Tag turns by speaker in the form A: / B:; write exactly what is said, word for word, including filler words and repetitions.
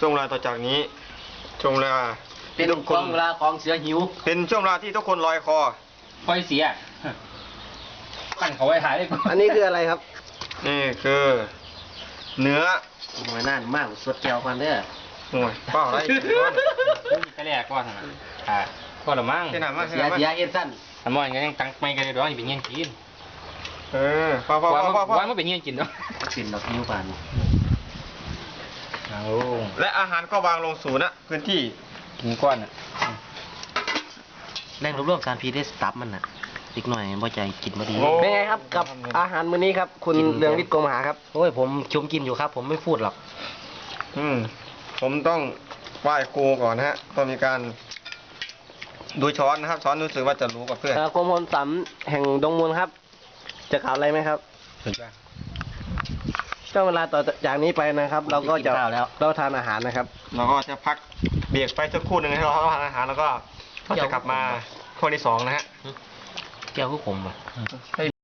A: ช่วงเวลาต่อจากนี้ช่วงเวลา
B: เป็นช่วงเวลาของเสือหิว
A: เป็นช่วงเวลาที่ทุกคนลอยคอ
B: คอยเสียตั้งเขาไว้ถ่ายได้ก่อน
C: อันนี้คืออะไรครับ
A: นี่คือเนื้อ
C: หน่วยน่านมากสดแก้วกันเด้อ
A: โอ้ยเปล่าอะไร
B: ไปแรกก่อนนะอ่าก็ละมั้ง
A: ที่ไหนมา
C: เสียเสียเอ็นสั้น
B: อันมอนก็ยังตั้งไม่กันเลยด้วยนี่เป็นเงี้ยกิน
A: เออพอพอพอพอพอ
B: ว่ามันเป็นเงี้ยกินเนาะ
C: กินดอกนิ้วปาน
B: เอา
A: และอาหารก็วางลงสู่ณพื้นที่
B: กินก้อนอ่ะ
C: แรงรวบรวมการพีได้สตับมันน่ะอีกหน่อยบ่ใจกินบ่ดี
A: โอ้
C: เป็นไงครับกับอาหารมื้อนี้ครับ คุณเรืองฤทธิ์โกมหาครับโอ้ยผมชมกินอยู่ครับ ผมไม่พูดหรอก
A: อืมผมต้องไหว้ครูก่อนนะฮะต้องมีการดูช้อนนะครับช้อนรู้สึกว่าจะรู้กับเพื่อน
C: เอ่อกรมพลสำแห่งดงมูลครับ จะกล่าวอะไรไหมครับ
B: ถึงจ้ะ
C: ช่วงเวลาต่อจากนี้ไปนะครับ เราก็จะเราทานอาหารนะครับ
A: เราก็จะพักเบรกไปสักครู่หนึ่งให้เราทานอาหารแล้วก็ก็จะกลับมาข้อที่สองนะฮะ
C: แก้วคือผมอ่ะ